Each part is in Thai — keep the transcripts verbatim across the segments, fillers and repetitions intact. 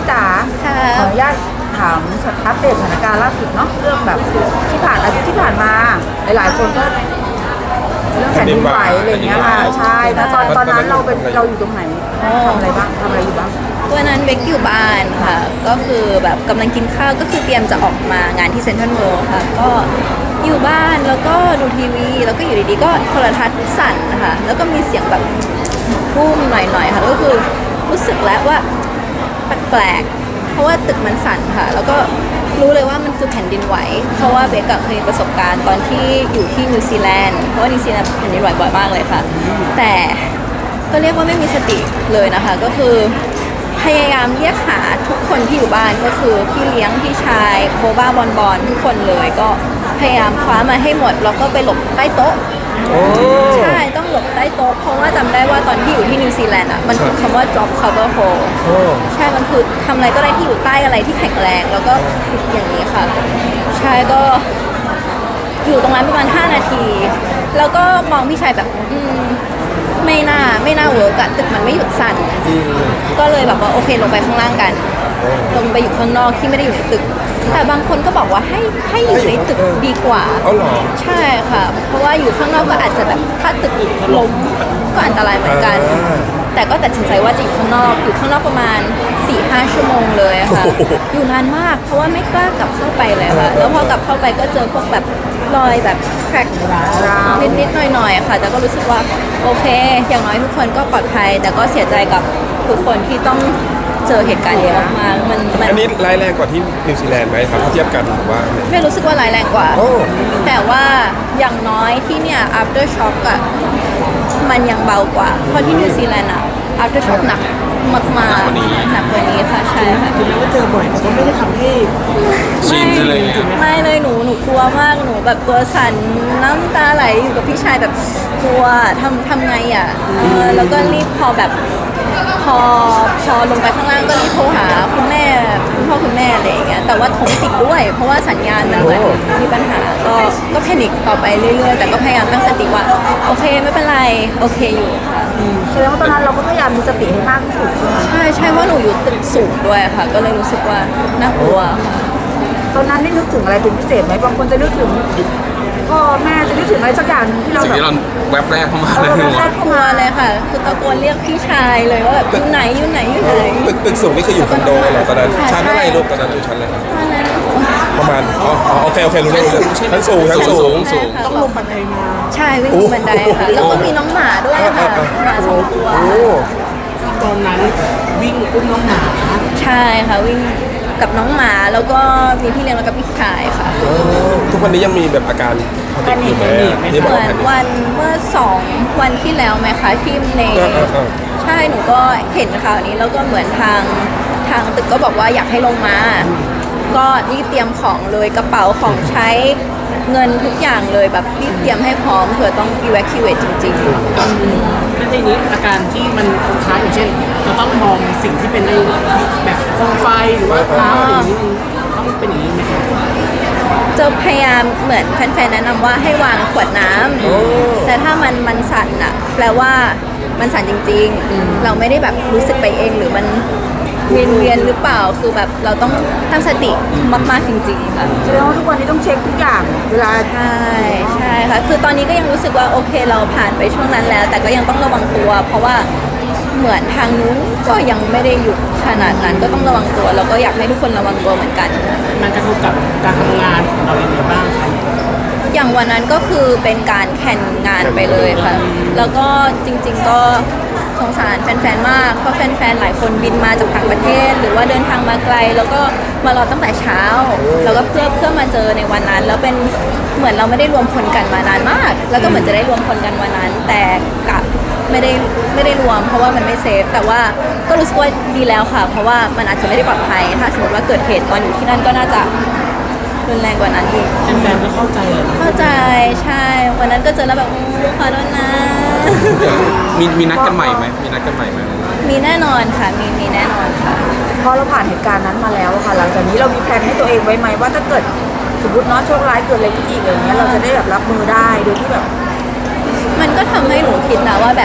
จ๋าขออนุญาตถามอัปเดตสถานการณ์ล่าสุดเนาะเรื่องแบบที่ผ่านอาทิตย์ที่ผ่านมาหลายๆคนก็เรื่องแผ่นดินไหวอะไรเงี้ยค่ะใช่แล้วตอนตอนนั้นเราเป็นเราอยู่ตรงไหนทำอะไรบ้างทำอะไรอยู่บ้างวันนั้นเบกอยู่บ้านค่ะก็คือแบบกำลังกินข้าวก็คือเตรียมจะออกมางานที่เซ็นทรัลเวิลด์ค่ะก็อยู่บ้านแล้วก็ดูทีวีแล้วก็อยู่ดีๆก็โทรทัศน์สั่นนะคะแล้วก็มีเสียงแบบพุ่มหน่อยๆค่ะก็คือรู้สึกแล้วว่าแปลกๆเพราะว่าตึกมันสั่นค่ะแล้วก็รู้เลยว่ามันคือแผ่นดินไหวเพราะว่าเบกเคยประสบการณ์ตอนที่อยู่ที่นิวซีแลนด์เพราะว่านิวซีแลนด์แผ่นดินไหวบ่อยมากเลยค่ะแต่ก็เรียกว่าไม่มีสติเลยนะคะก็คือพยายามเรียกหาทุกคนที่อยู่บ้านก็คือพี่เลี้ยงพี่ชายโบบ้าบอลบอลทุกคนเลยก็พยายามคว้ามาให้หมดแล้วก็ไปหลบใต้โต๊ะใช่ต้องหลบใต้โต๊ะเพราะว่าจำได้ว่าตอนที่อยู่ที่นิวซีแลนด์อ่ะมันคือคำว่า drop cover hole ใช่มันคือทำอะไรก็ได้ที่อยู่ใต้อะไรที่แข็งแรงแล้วก็อย่างนี้ค่ะใช่ก็อยู่ตรงนั้นประมาณห้านาทีแล้วก็มองพี่ชายแบบอืมไม่น่าไม่น่าเวิร์กอะตึกมันไม่หยุดสั่นก็เลยแบบว่าโอเคลงไปข้างล่างกันลงไปอยู่ข้างนอกที่ไม่ได้อยู่ในตึกแต่บางคนก็บอกว่าให้ให้อยู่ในตึกดีกว่าใช่ค่ะเพราะว่าอยู่ข้างนอกก็อาจจะแบบถ้าตึกล้มก็อันตรายเหมือนกันแต่ก็ตัดสินใจว่าจะอยู่ข้างนอกอยู่ข้างนอกประมาณ สี่ห้า ชั่วโมงเลยค่ะอยู่นานมากเพราะว่าไม่กล้ากลับเข้าไปเลยค่ะแล้วพอกลับเข้าไปก็เจอพวกแบบรอยแบบแคร็กนิดๆหน่อยๆค่ะแต่ก็รู้สึกว่าโอเคอย่างน้อยทุกคนก็ปลอดภัยแต่ก็เสียใจกับทุกคนที่ต้องเจอเหตุการณ์เยอะมากๆมันอันนี้ร้ายแรงกว่าที่นิวซีแลนด์ไหมครับถ้าเทียบกันหรือว่าไม่รู้สึกว่าร้ายแรงกว่าแต่ว่าอย่างน้อยที่เนี่ย after shock อะมันยังเบากว่าเพราะที่นิวซีแลนด์อะ after shock หนักมากๆหนักกว่านี้หนักกว่านี้ค่ะใช่ค่ะถึงแม้ว่าเจอบ่อยแต่ก็ไม่ได้ทำให้ชินเลยไม่เลยหนูหนูกลัวมากหนูแบบตัวสั่นน้ำตาไหลอยู่กับพี่ชายแบบกลัวทำทำไงอ่ะเออแล้วก็รีบพอแบบพอพอลงไปข้างล่างก็รีบโทรหาคุณแม่คุณพ่อคุณแม่อะไรอย่างเงี้ยแต่ว่าโทรติดด้วยเพราะว่าสัญญาณมันเหมือนมีปัญหาก็ก็แพนิคต่อไปเรื่อยๆแต่ก็พยายามตั้งสติว่าโอเคไม่เป็นไรโอเคอยู่ค่ะแสดงว่าตอนนั้นเราก็พยายามมีสติให้มากที่สุดใช่ใช่ว่าหนูอยู่ตึกสูงด้วยค่ะก็เลยรู้สึกว่าน่ากลัวค่ะตอนนั้นได้นึกถึงอะไรเป็นพิเศษไหมบางคนจะนึกถึงพ่อแม่จะนึกถึงอะไรสักอย่างที่เราแบบแวบแรกเข้ามาเลยแรกเข้ามาเลยค่ะคือตะโกนเรียกพี่ชายเลยว่าแบบอยู่ไหนอยู่ไหนอยู่ไหนตึกตึกสูงนี่คืออยู่คอนโดเหรอตอนนั้นชั้นอะไรลูกตอนนั้นอยู่ชั้นอะไรตอนนั้นประมาณอ๋อโอเคโอเครู้เรื่องชั้นสูงชั้นสูงสูงต้องลงบันไดมาใช่วิ่งลงบันไดค่ะแล้วก็มีน้องหมาด้วยค่ะหมาสองตัวตอนนั้นวิ่งอุ้มน้องหมาใช่ค่ะวิ่งกับน้องหมาแล้วก็มีพี่เลี้ยงแล้วก็พี่ชายค่ะทุกวันนี้ยังมีแบบอาการแพนิคเหมือนวันเมื่อสองวันที่แล้วไหมคะที่ในใช่หนูก็เห็นข่าวนี้แล้วก็เหมือนทางทางตึกก็บอกว่าอยากให้ลงมาก็รีบเตรียมของเลยกระเป๋าของใช้เงินทุกอย่างเลยแบบรีบเตรียมให้พร้อมเผื่อต้อง evacuate จริงๆแล้วทีนี้อาการที่มันคล้ายอย่างเช่นจะต้องมองสิ่งที่เป็นในแบบโคมไฟหรือว่าน้ำอย่างนี้ต้องเป็นอย่างนี้ไหมครับจะพยายามเหมือนแฟนๆแนะนำว่าให้วางขวดน้ำแต่ถ้ามันมันสั่นอะแปลว่ามันสั่นจริงๆเราไม่ได้แบบรู้สึกไปเองหรือมันเวียนเวียนหรือเปล่าคือแบบเราต้องตั้งสติมากๆจริงๆค่ะแสดงว่าทุกวันนี้ต้องเช็คทุกอย่างเวลาใช่ใช่ค่ะคือตอนนี้ก็ยังรู้สึกว่าโอเคเราผ่านไปช่วงนั้นแล้วแต่ก็ยังต้องระวังตัวเพราะว่าเหมือนทางนู้นก็ยังไม่ได้หยุดขนาดนั้นก็ต้องระวังตัวแล้วก็อยากให้ทุกคนระวังตัวเหมือนกันมันกระทบกับการทำงานของเราอย่างไรบ้างคะอย่างวันนั้นก็คือเป็นการแข่งงานไปเลยค่ะแล้วก็จริงๆก็สงสารแฟนๆมากเพราะแฟนๆหลายคนบินมาจากต่างประเทศหรือว่าเดินทางมาไกลแล้วก็มารอตั้งแต่เช้าแล้วก็เพื่อเพื่อมาเจอในวันนั้นแล้วเป็นเหมือนเราไม่ได้รวมพลกันมานานมากแล้วก็เหมือนจะได้รวมพลกันวันนั้นแต่กลับไม่ได้ไม่ได้รวมเพราะว่ามันไม่เซฟแต่ว่าก็รู้สึกว่าดีแล้วค่ะเพราะว่ามันอาจจะไม่ได้ปลอดภัยถ้าสมมติว่าเกิดเหตุตอนอยู่ที่นั่นก็น่าจะรุนแรงกว่านั้นอีกแฟนๆก็เข้าใจเลยเข้าใจใช่วันนั้นก็เจอแล้วแบบขอโทษนะมีมีนัดกันใหม่ไหมมีนัดกันใหม่ไหมมีแน่นอนค่ะมีมีแน่นอนค่ะพอเราผ่านเหตุการณ์นั้นมาแล้วค่ะหลังจากนี้เรามีแผนให้ตัวเองไว้ไหมว่าถ้าเกิดสมมติเนาะโชคร้ายเกิดอะไรขึ้นอีกอย่างเงี้ยเราจะได้แบบรับมือได้โดยที่แบบมันก็ทำให้หนูคิดนะว่าแบบ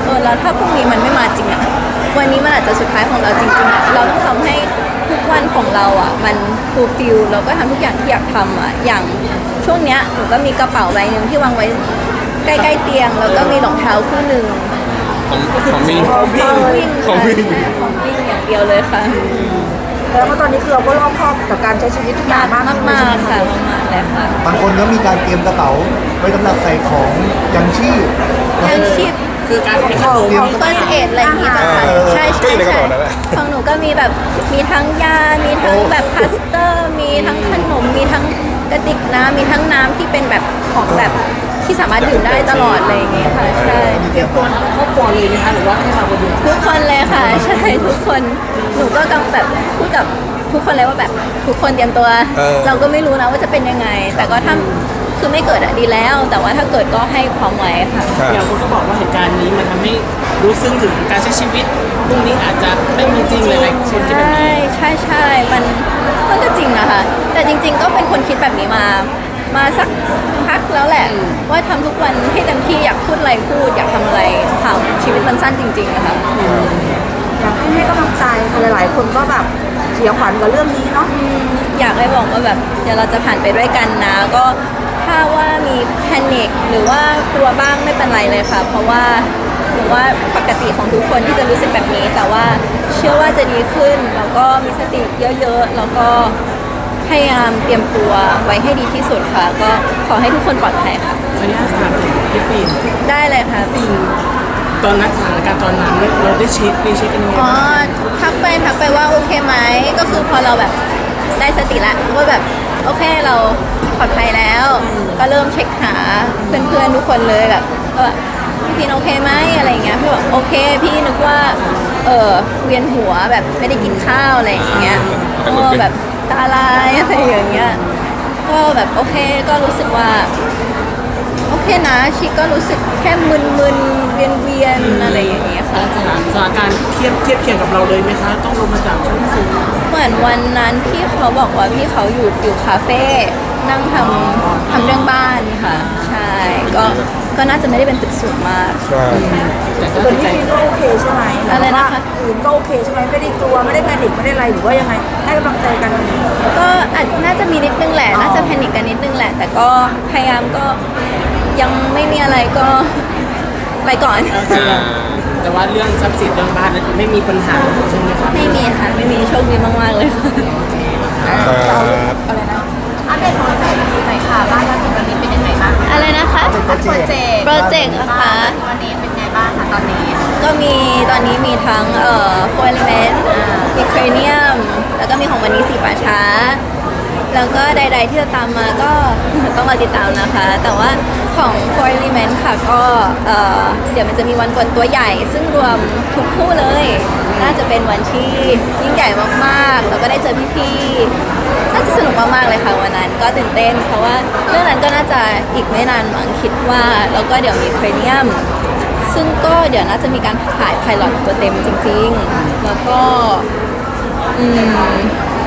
เออแล้วถ้าพรุ่งนี้มันไม่มาจริงอะวันนี้มันอาจจะสุดท้ายของเราจริงๆอะเราต้องทำให้ทุกวันของเราอะมันฟูลฟิลแล้วก็ทำทุกอย่างที่อยากทำอะอย่างช่วงเนี้ยหนูก็มีกระเป๋าใบหนึ่งที่วางไว้ใกล้ๆเตียงแล้วก็มีรองเท้าคู่หนึ่งของของมีของวิ่งของวิ่งของวิ่งอย่างเดียวเลยค่ะแล้วก็ตอนนี้คือเราก็รอบคอบกับการใช้ชีวิตทุกอย่างมากมากมากๆค่ะมากๆเลยค่ะบางคนก็มีการเตรียมกระเป๋าไว้สำหรับใส่ของยังชีพยังชีพคือการเป็นขนมของ first aid อะไรอย่างงี้ป่ะคะเออใช่ก็ใช่อยู่ในกระใช่เป๋านั่นแหละของหนูก็มีแบบมีทั้งยา มีทั้งแบบพลาสเตอร์ มีทั้งขนม มีทั้งกระติกน้ำมีทั้งน้ำที่เป็นแบบของแบบที่สามารถดื่มได้ตลอดเลยอย่างเงี้ยค่ะใช่เตรียมตัวครอบครัวเลยไหมคะหรือว่าแค่เราคนเดียวทุกคนเลยค่ะ ใช่ทุกคนหนูก็กำลังแบบพูดกับทุกคนเลยว่าแบบทุกคนเตรียมตัวเออเราก็ไม่รู้นะว่าจะเป็นยังไง แต่ก็ถ้าคือไม่เกิดอะดีแล้ว แต่ว่าถ้าเกิดก็ให้พร้อมไว้ค่ะค่ะอย่างคนก็บอกว่าเหตุการณ์นี้มันทำให้รู้ซึ้งถึงการใช้ชีวิตพรุ่งนี้อาจจะไม่มีจริงหลายๆคนที่เป็นใช่ใช่ใช่มันมันก็จริงนะคะ แต่จริง ๆ ก็เป็นคนคิดแบบนี้มา มาสักพักแล้วแหละ ว่าทำทุกวันให้เต็มที่อยากพูดอะไรพูด อยากทำอะไรทำชีวิตมันสั้นจริงๆนะคะอยากให้ให้กำลังใจหลายๆคนก็แบบเสียขวัญกับเรื่องนี้เนาะอยากให้บอกว่าแบบเดี๋ยวเราจะผ่านไปด้วยกันนะ ก็ถ้าว่ามีแพนิคหรือว่ากลัวบ้างไม่เป็นไรเลยค่ะ เพราะว่าหรือว่าปกติของทุกคนที่จะรู้สึกแบบนี้ แต่ว่าเชื่อว่าจะดีขึ้นแล้วก็มีสติเยอะๆแล้วก็พยายามเตรียมตัวไว้ให้ดีที่สุดค่ะ ก็ขอให้ทุกคนปลอดภัยค่ะขออนุญาตถามถึงพี่ฟิล์มได้เลยค่ะตอนนั้นสถานการณ์ตอนนั้นเราได้เช็ครีเช็คกันยังไงอ๋อบ้างทักไปทักไปว่าโอเคไหมก็คือพอเราแบบได้สติละว่าแบบโอเคเราปลอดภัยแล้ว ก็เริ่มเช็คหาเพื่อนๆทุกคนเลยแบบว่าพี่พีนโอเคไหมอะไรอย่างเงี้ยพี่บอกโอเคพี่นึกว่าเออเวียนหัวแบบไม่ได้กินข้าวอะไรอย่างเงี้ยก็แบบตาลายอะไรอย่างเงี้ยก็แบบโอเคก็รู้สึกว่า โอเคนะชิก็รู้สึกแค่มึนๆ เวียนๆ อะไรอย่างเงี้ยค่ะสถานสถานการณ์เทียบเทียบเคียงกับเราเลยไหมคะ ต้องลงมาจากชั้นสูงเหมือนวันนั้นพี่เขาบอกว่าพี่เขาอยู่ฟิวคาเฟ่นั่งทำทำเรื่องบ้านค่ะ ใช่ ก็ก็น่าจะไม่ได้เป็นตึกสูงมากใช่แต่ก็ส่วนใจพี่ฟิล์มก็โอเคใช่ไหมอะไรนะคะอื่นก็โอเคใช่ไหมไม่ได้กลัวไม่ได้แพนิคไม่ได้อะไรหรือว่ายังไงให้กำลังใจกันก็อาจน่าจะมีนิดนึงแหละ น่าจะแพนิคกันนิดนึงแหละ แต่ก็พยายามก็ยังไม่มีอะไรก็ไปก่อนอ่าแต่ว่าเรื่องทรัพย์สินเรื่องบ้านนั้นไม่มีปัญหาใช่ไหมครับไม่มีค่ะ ไม่มีโชคดีมากๆเลยค่ะครับอะไรนะอัปเดตโปรเจกต์หน่อยค่ะบ้านเราถึงวันนี้เป็นยังไงบ้างคะอะไรนะคะโปรเจกต์โปรเจกต์นะคะวันนี้เป็นไงบ้างคะตอนนี้ก็มีตอนนี้มีทั้งเอ่อโฟลเมนต์มีเครเนียม แล้วก็มีของวันนี้สีป่าช้า แล้วก็ใด ๆ ที่จะตามมาก็ ต้องรอติดตามนะคะ แต่ว่าของ Four Element ค่ะก็เอ่อเดี๋ยวมันจะมีวันกวนตัวใหญ่ ซึ่งรวมทุกคู่เลย น่าจะเป็นวันที่ยิ่งใหญ่มากๆ แล้วก็ได้เจอพี่ๆน่าจะสนุกมากๆเลยค่ะวันนั้นก็ตื่นเต้น เพราะว่าเรื่องนั้นก็น่าจะอีกไม่นานมั้งคิดว่า แล้วก็เดี๋ยวมีเครเนียม ซึ่งก็เดี๋ยวน่าจะมีการถ่ายไพลอตตัวเต็มจริงๆ แล้วก็อืม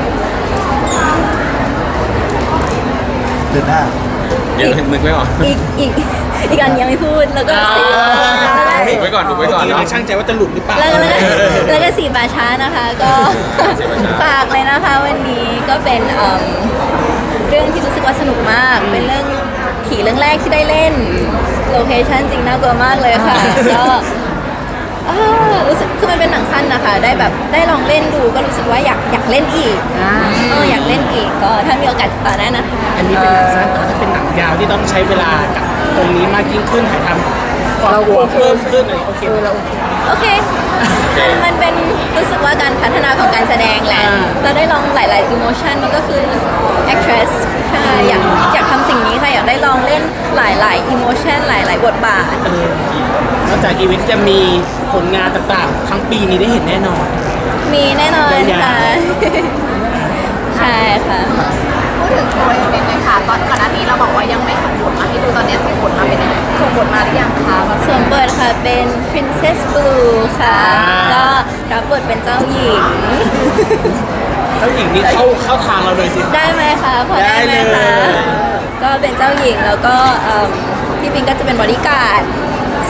เดือนหน้ายังนึกไม่ออกอีกอีกอีกอันยังไม่พูดแล้วก็สีถูกไว้ก่อนถูกไว้ก่อนเมื่เนาะกี้ช่างใจว่าจะหลุดหรือเปล่าแล้วก็แล้วก็แล้วก็สีบาช้านะคะ ก็สีบาช้าฝากเลยนะคะวันนี้ก็เป็นเอิ่มเรื่องที่รู้สึกว่าสนุกมาก เป็นเรื่องผีเรื่องแรกที่ได้เล่นโลเคชั่นจริงน่ากลัวมากเลยค่ะก็เอ่อรู้สึกคือมันเป็นหนังสั้นนะคะ ได้แบบได้ลองเล่นดูก็รู้สึกว่าอยากอยากเล่นอีกเอออยากเล่นอีกก็ถ้ามีโอกาสติดต่อได้นะคะอันนี้เป็นหนังสั้นแต่ถ้าเป็นหนังยาวที่ต้องใช้เวลากับตรงนี้มากยิ่งขึ้นถ่ายทำความกลัวเพิ่มขึ้นอะไรโอเคไหมโอเค มันมันเป็นรู้สึกว่าการพัฒนาของการแสดงแหละอ่าเราได้ลองหลาย ๆ emotion มันก็คือ actress ใช่อยากอยากทำสิ่งนี้ค่ะ อยากได้ลองเล่นหลาย ๆ emotion หลาย ๆ บทบาทเออนอกจากอีเวนต์จะมีผลงานต่างๆ ทั้งปีนี้ได้เห็นแน่นอนมีแน่นอนยาวๆค่ะ ใช่ค่ะพูดถึงตัวเองเลยค่ะตอนก่อนหน้านี้เราบอกว่ายังไม่ส่งบทมาให้ดูตอนนี้ส่งบทมาเป็นยังไงส่งบทมาหรือยังคะว่าสวมบทค่ะเป็น princess blue ค่ะ ก็รับบทเป็นเจ้าหญิงเจ้าหญิงนี่เข้าเข้าทางเราเลยสิได้ไหมคะพอได้ไหมได้เลคะยก็เป็นเจ้าหญิงแล้วก็เอิ่มพี่ปิงก็จะเป็นบอดี้การ์ดซ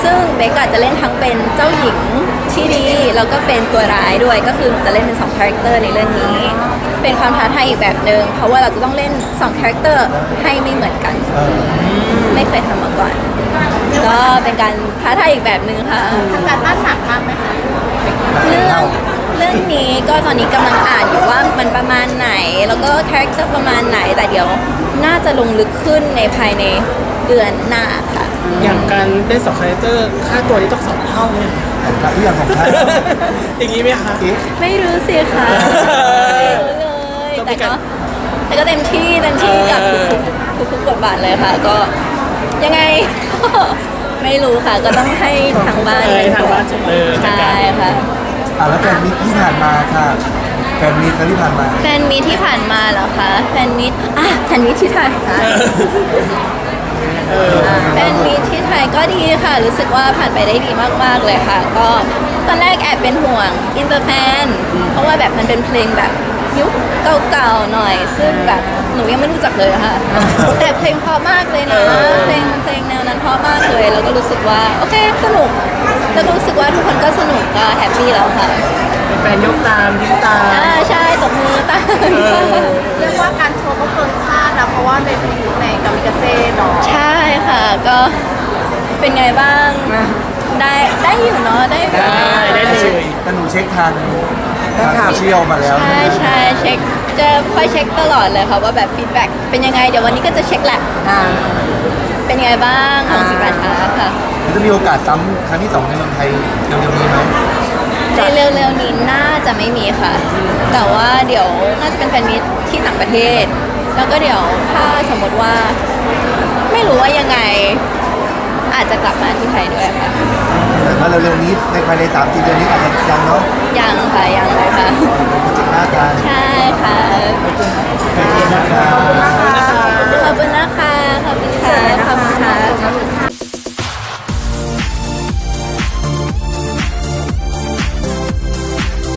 ซึ่งเบกอาจจะเล่นทั้งเป็นเจ้าหญิงที่ดีแล้วก็เป็นตัวร้ายด้วยก็คือจะเล่นเป็นสองคาแรคเตอร์ในเรื่องนี้ เป็นความท้าทายอีกแบบหนึ่งเพราะว่าเราจะต้องเล่นสองคาแรคเตอร์ให้ไม่เหมือนกันเออไม่เคยทำมาก่อน ก็เป็นการท้าทายอีกแบบหนึ่งค่ะทำการบ้านหนักมากไหมคะเรื่องเรื่องนี้ก็ตอนนี้กำลังอ่านอยู่ว่ามันประมาณไหน แล้วก็คาแรคเตอร์ประมาณไหน แต่เดี๋ยวน่าจะลงลึกขึ้นในภายในเดือนหน้าค่ะอย่างการเล่นสองคาแรคเตอร์ค่าตัวนี้ต้องสองเท่าเนี่ยของท่านที่อย่างของท่านอย่างนี้ไหมคะเอ๊ะไม่รู้สิค่ะไม่รู้เลยต้องมีแต่กาก็รแต่ก็เต็มที่เต็มที่กับทุกๆทุกๆบทบาทเลยค่ะ ก็ยังไง ไม่รู้ค่ะ ก็ต้องให้ทางบ้านเออให้ทางบ้านเออจัดใช่การค่ะอ่ะแล้วแฟนมิตรที่ผ่านมาค่ะแฟนมิตรครั้งที่ผ่านมาแฟนมีตที่ผ่านมาเหรอคะแฟนมีตอ่ะแฟนมีตที่ไทยค่ะแฟนมีตที่ไทยก็ดีค่ะ รู้สึกว่าผ่านไปได้ดีมากๆเลยค่ะ ก็ตอนแรกแอบเป็นห่วงอินเตอร์แฟนเพราะว่าแบบมันเป็นเพลงแบบยุคเก่าๆหน่อย ซึ่งแบบหนูยังไม่รู้จักเลยอะค่ะ แต่เพลงเพราะมากเลยนะเพลงเพลงแนวนั้นเพราะมากเลยแล้วก็รู้สึกว่าโอเคสนุกแล้วก็รู้สึกว่าทุกคนก็สนุกก็แฮปปี้แล้วค่ะเป็นแฟนยกตามยิ้มตามอ่าใช่ตบมือตามเรียกว่าการโชว์ก็เกินคาดนะเพราะว่าในในกามิกาเซ่เนาะใช่ค่ะก็เป็นไงบ้างได้ได้อยู่เนาะได้แบบได้ได้เลยแต่หนูเช็คทางทางโซเชียลมาแล้วใช่ใช่เช็คจะคอยเช็คตลอดเลยค่ะว่าแบบฟีดแบ็กเป็นยังไงเดี๋ยววันนี้ก็จะเช็คแหละอ่าเป็นยังไงบ้างของสิบราชาค่ะจะมีโอกาสซ้ำครั้งที่สองในเมืองไทยเร็วๆนี้ไหมในเร็วๆนี้น่าจะไม่มีค่ะ แต่ว่าเดี๋ยวน่าจะเป็นแฟนมิตที่ต่างประเทศ แล้วก็เดี๋ยวถ้าสมมติว่า ไม่รู้ว่ายังไง อาจจะกลับมาที่ไทยด้วยค่ะแต่ว่าเร็วๆนี้ในภายในสามสี่เดือนนี้อาจจะยังเนาะยังค่ะยัง